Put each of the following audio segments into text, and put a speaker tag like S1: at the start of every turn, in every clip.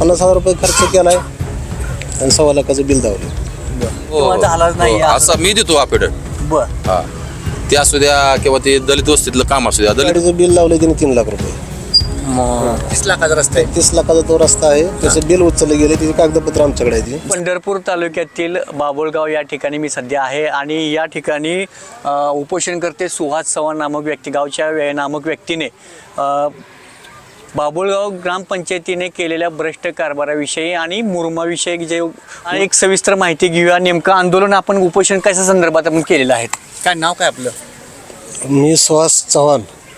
S1: 50,000 रुपये खर्च केलाय आणि 1.25 लाखाचं बिल दावलं.
S2: किंवा झालाच नाही
S3: असं मी देतो अफिडेट.
S2: बर
S3: हा ते असू द्या किंवा ते दलित वस्तीतलं काम असू द्या. दलित
S1: गाडीचं बिल लावलंय त्याने 3 लाख रुपये.
S2: 30 लाखाचा रस्ता आहे.
S1: 30 लाखाचा तो रस्ता आहे, त्याचं बिल उचललं गेले, त्याची कागदपत्र आमच्याकडे आहे.
S2: पंढरपूर तालुक्यातील बाबुळगाव या ठिकाणी मी सध्या आहे आणि या ठिकाणी उपोषणकर्ते सुहास चव्हाण नामक व्यक्ती नामक व्यक्तीने बाबुळगाव ग्रामपंचायतीने केलेल्या भ्रष्ट कारभाराविषयी आणि मुरुमाविषयी जे एक सविस्तर माहिती घेऊया. नेमकं आंदोलन आपण उपोषण कशा संदर्भात आपण केलेलं आहे. काय नाव काय आपलं?
S1: मी सुहास चव्हाण.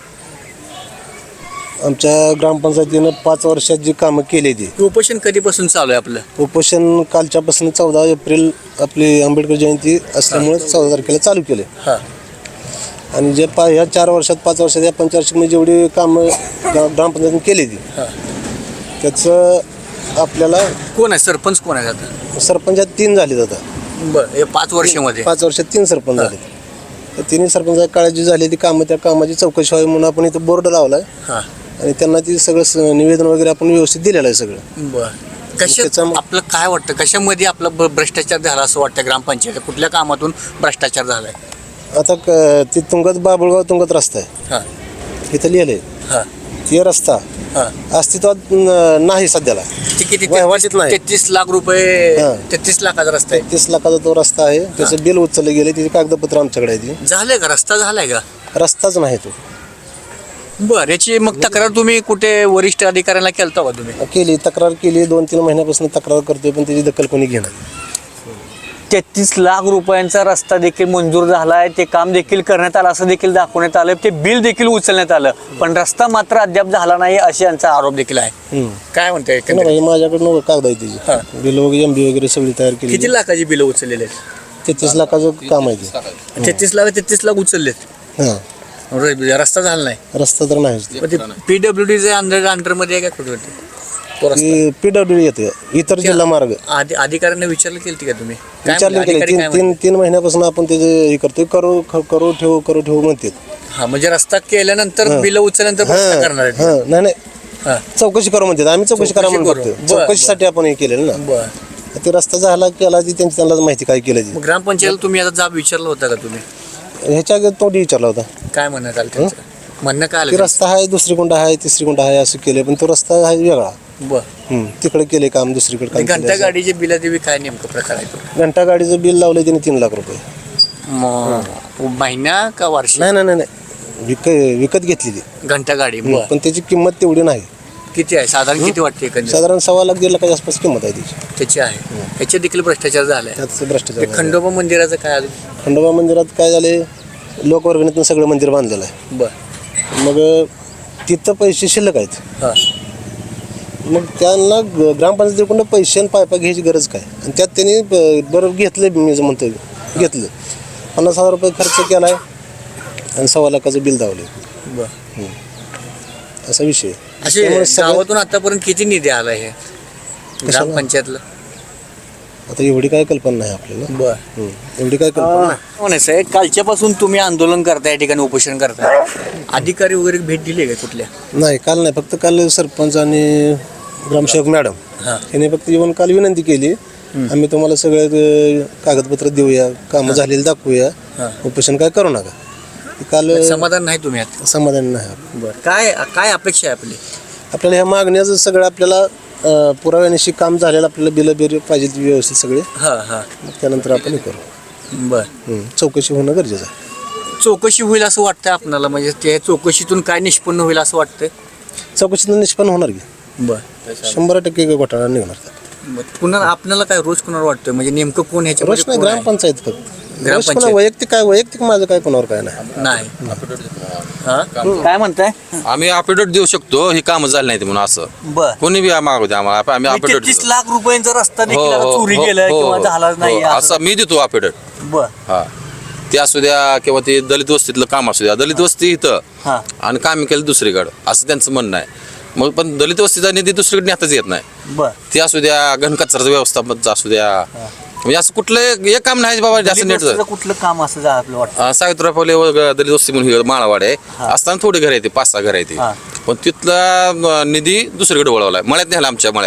S1: आमच्या ग्रामपंचायतीनं 5 वर्षात जी कामं केली ती.
S2: उपोषण कधीपासून चालू आहे आपलं?
S1: उपोषण कालच्यापासून 14 एप्रिल आपली आंबेडकर जयंती असल्यामुळे 14 तारखेला चालू केले.
S2: हां
S1: आणि जे ह्या 4 वर्षात 5 वर्षात या पंचवार्षिकमध्ये जेवढी कामं ग्रामपंचायतीने केली ती त्याचं आपल्याला
S2: कोण आहे सरपंच? कोण आहे आता?
S1: सरपंचात 3 झालेत आता.
S2: बरं 5 वर्षामध्ये
S1: 5 वर्षात 3 सरपंच झाले. त्या 3 सरपंच काळात जी झाली ती कामं, त्या कामाची चौकशी व्हावी म्हणून आपण इथं बोर्ड लावलाय
S2: हां.
S1: आणि त्यांना ती सगळं निवेदन वगैरे आपण व्यवस्थित दिलेलं आहे सगळं.
S2: बरं कशा आपलं काय वाटतं, कशामध्ये आपला भ्रष्टाचार झाला असं वाटतं? ग्रामपंचायत कुठल्या कामातून भ्रष्टाचार झालाय?
S1: आता ती बाबुळगाव तुंगत रस्ता आहे,
S2: हां
S1: इथं लिहिलंय.
S2: हां
S1: ते रस्ता
S2: हां.
S1: अस्तित्वात नाही सध्याला.
S2: ते किती?
S1: वहिवाटीत नाही.
S2: 33 लाख रुपये.
S1: हां.
S2: 33 लाखाचा रस्ता आहे.
S1: 30 लाखाचा तो रस्ता आहे, त्याचं बिल उचललं गेले, त्याची कागदपत्र आमच्याकडे आहे. ती
S2: झालंय का? रस्ता झालाय का?
S1: रस्ताच नाही तो.
S2: बरं याची मग तक्रार तुम्ही कुठे वरिष्ठ अधिकाऱ्यांना केलता का तुम्ही?
S1: केली, तक्रार केली. 2-3 महिन्यापासून तक्रार करतोय, पण त्याची दखल कोणी घेणार.
S2: 33 लाख रुपयांचा रस्ता देखील मंजूर झालाय, ते काम देखील करण्यात आलं असं देखील दाखवण्यात आलं, ते बिल देखील उचलण्यात आलं, पण रस्ता मात्र अद्याप झाला नाही असे यांचा आरोप देखील आहे. काय म्हणताय?
S1: माझ्याकडनं कागद आहे त्याची, बिल वगैरे MB वगैरे सगळी तयार केली.
S2: किती लाखाची बिल उचललेले आहेत?
S1: 33 लाखाचं काम आहे ते.
S2: 33 लाख उचललेत.
S1: हां,
S2: रस्ता झाला नाही.
S1: रस्ता तर नाहीच.
S2: PWD अंडरमध्ये आहे का कुठे?
S1: PWD येते, इतर जिल्हा मार्ग.
S2: अधिकाऱ्यांना विचारलं केलं का तुम्ही?
S1: विचारले केले. 3 महिन्यापासून आपण त्याचे हे करतोय, करू ठेवू म्हणते.
S2: हा म्हणजे रस्ता केल्यानंतर बिल उचलल्यानंतर रस्ता करणार आहेत?
S1: नाही चौकशी करू म्हणते. आम्ही चौकशी करा म्हणतो. चौकशीसाठी आपण हे केलेलं ना.
S2: बरं
S1: ते रस्ता झाला केला ती त्यांना माहिती काय केलं ती.
S2: ग्रामपंचायत तुम्ही आता जाब विचारला होता का तुम्ही?
S1: ह्याच्या आधी तोंडी विचारला होता.
S2: काय म्हणण्यात आलं त्यांचं? म्हणणं काय
S1: की
S2: आलं?
S1: रस्ता आहे, दुसरी कुंड आहे, तिसरी कुंड आहे असं केलं, पण तो रस्ता आहे वेगळा.
S2: बरं
S1: तिकडे केले काम, दुसरीकडे काम
S2: घंटा
S1: केलं.
S2: गाडीचे बिल देवी काय नेमकं प्रकार आहे तो?
S1: घंटा गाडीचं बिल लावलंय त्याने 3 लाख रुपये.
S2: महिना का वार्षिक?
S1: नाही विकत घेतलेली
S2: घंटा गाडी.
S1: पण त्याची किंमत तेवढी नाही.
S2: किती आहे साधारण? किती वाटते एकंदरीत?
S1: साधारण 1.25 लाख 1.5 लाखाच्या आसपास किंमत आहे
S2: त्याची आहे. याच्यात देखील भ्रष्टाचार झालाय.
S1: त्याचं भ्रष्टाचार
S2: ते खंडोबा मंदिराचं काय आलं?
S1: खंडोबा मंदिरात काय झाले, लोकवर्गणीतून सगळं मंदिर बांधलेलं आहे.
S2: बरं
S1: मग तिथं पैसे शिल्लक आहेत.
S2: हां
S1: मग त्यांना ग्रामपंचायतीकडून पैसे आणि पायपा घ्यायची गरज काय? आणि त्यात त्यांनी बरोबर घेतलं, मी म्हणतो घेतलं. 50,000 रुपये खर्च केलाय आणि 1.25 लाखाचं बिल दावलं.
S2: बरं
S1: असा विषय.
S2: असे गावातून आतापर्यंत किती निधी आला हे ग्रामपंचायतला?
S1: आता एवढी काय कल्पना नाही आपल्याला.
S2: बरं
S1: एवढी काय कल्पना नाही.
S2: म्हणायचं आहे कालच्यापासून तुम्ही आंदोलन करताय, या ठिकाणी उपोषण करताय, अधिकारी वगैरे भेट दिली का कुठल्या?
S1: नाही, काल नाही. फक्त काल सरपंच आणि ग्रामसेवक मॅडम यांनी फक्त येऊन काल विनंती केली, आम्ही तुम्हाला सगळे कागदपत्र देऊया, कामं झालेली दाखवूया, उपोषण काय करू नका. काल
S2: समाधान नाही तुम्ही आता?
S1: समाधान नाही.
S2: बरं काय अपेक्षा आहे आपली?
S1: आपल्याला ह्या मागण्याचं सगळं आपल्याला पुराव्यानिशी काम झालेलं, आपल्याला बिल पाहिजे व्यवस्थित सगळे. मग त्यानंतर आपण हे करू.
S2: बरं
S1: चौकशी होणं गरजेचं आहे.
S2: चौकशी होईल असं वाटतंय आपल्याला? म्हणजे त्या चौकशीतून काय निष्पन्न होईल असं वाटतंय?
S1: चौकशीतून निष्पन्न होणार की.
S2: बरं
S1: 100% घोटाळा निघणार.
S2: पुन्हा आपल्याला काय रोज कुणावर वाटतंय? म्हणजे नेमकं कोण ह्याच्या
S1: रोज नाही, ग्रामपंचायत फक्त. वैयक्तिक माझं काय कोणावर काय नाही.
S2: काय म्हणताय?
S3: आम्ही अफिडेट देऊ शकतो, ही कामं झाली नाही म्हणून. असं
S2: बर
S3: कोणी बी मागू द्या आम्हाला, आम्ही अफिडेट
S2: 30 लाख रुपयांचा रस्ता देखील आता चोरी गेलाय किंवा झालाच नाही
S3: असं मी देतो अफिडेट.
S2: बर
S3: हा ते असू द्या किंवा ते दलित वस्तीतलं काम असू द्या. दलित वस्ती इथं आणि काम केलं दुसरीकडं असं त्यांचं म्हणणं आहे. मग पण दलित वस्तीचा निधी दुसरीकडे नेताच येत नाही.
S2: बर
S3: ते असू द्या, घनकचराचं व्यवस्थापन असू द्या, म्हणजे असं कुठलं एक काम नाही बाबा जास्त नेट.
S2: कुठलं काम असं आपलं वाटतं?
S3: सावित्रीबाई फुले दलित वस्ती म्हणून माळावाड आहे, असताना थोडी घर येते, 5-6 घर येते, पण तिथला निधी दुसरीकडे वळवलाय, मळ्यात नेला आमच्या मळ्याकडे.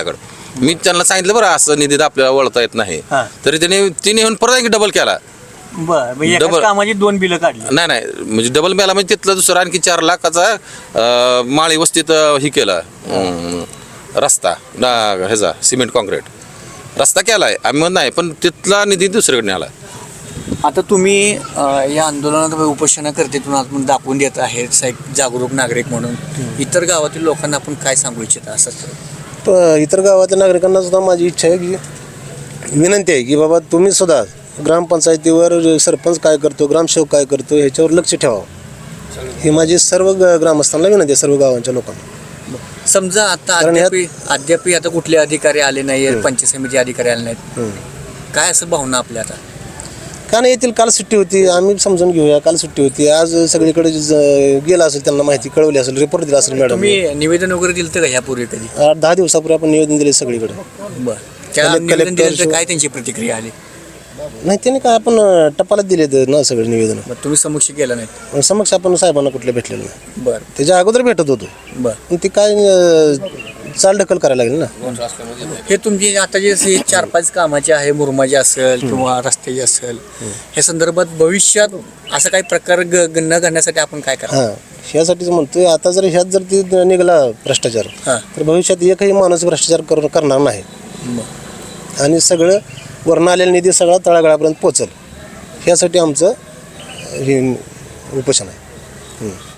S3: मी त्यांना सांगितलं बरं असं निधीत आपल्याला वळता येत नाही
S2: हा.
S3: तरी तिने येऊन परत डबल केला.
S2: बर म्हणजे एकाच
S3: Double.
S2: कामाची 2 बिलं काढली.
S3: नाही म्हणजे डबल मिळाला म्हणजे तिथलं दुसरं आणखी 4 लाखाचा माळी वस्तीत हे केलं रस्ता ह्याचा सिमेंट कॉन्क्रीट रस्ता केलाय आम्ही म्हणत नाही पण तिथला निधी दुसरीकडे आला.
S2: आता तुम्ही या आंदोलनात उपोषणा करतेतून आपण दाखवून देत आहेत एक जागरूक नागरिक म्हणून इतर गावातील लोकांना आपण काय सांगू इच्छिता असं?
S1: इतर गावातल्या नागरिकांना सुद्धा माझी इच्छा आहे की विनंती आहे की बाबा तुम्ही सुद्धा ग्रामपंचायतीवर सरपंच काय करतो ग्रामसेवक काय करतो ह्याच्यावर लक्ष ठेवावं ही माझी सर्व ग्रामस्थांना विनंती आहे सर्व गावांच्या लोकांना.
S2: समजा आता
S1: कारण
S2: अद्याप आता कुठले अधिकारी आले नाही पंचायत समिती अधिकारी आले नाहीत, काय असं भावना आपल्या आता?
S1: का नाही येतील काल सुट्टी होती आम्ही समजून घेऊया काल सुट्टी होती आज सगळीकडे गेला असेल त्यांना माहिती कळवली असेल रिपोर्ट दिला असेल मॅडम.
S2: तुम्ही निवेदन वगैरे दिलं का ह्यापूर्वी कधी?
S1: 8-10 दिवसापूर्वी आपण निवेदन दिले सगळीकडे.
S2: बरं त्या निवेदन दिलं तर काय त्यांची प्रतिक्रिया आली?
S1: नाही त्यांनी काय आपण टपालाच दिले ना सगळे निवेदन
S2: मग तुम्ही समक्ष केलं नाही?
S1: समक्ष आपण साहेबांना कुठले भेटलेलं नाही.
S2: बरं
S1: त्याच्या अगोदर भेटत होतो
S2: बरं.
S1: पण ती काय चाल ढकल करायला लागेल ना.
S2: हे तुमची आता जे 4-5 कामाचे आहे मुरमाचे असेल किंवा रस्त्याचे असेल ह्या संदर्भात भविष्यात असं काही प्रकार न घडण्यासाठी आपण काय करा?
S1: हां ह्यासाठीच म्हणतोय आता जर ह्यात जर ती निघाला भ्रष्टाचार
S2: हां.
S1: तर भविष्यात एकही माणूस भ्रष्टाचार करणार नाही आणि सगळं वरून आलेला निधी सगळा तळागाळापर्यंत पोचल ह्यासाठी आमचं हे उपोषण आहे.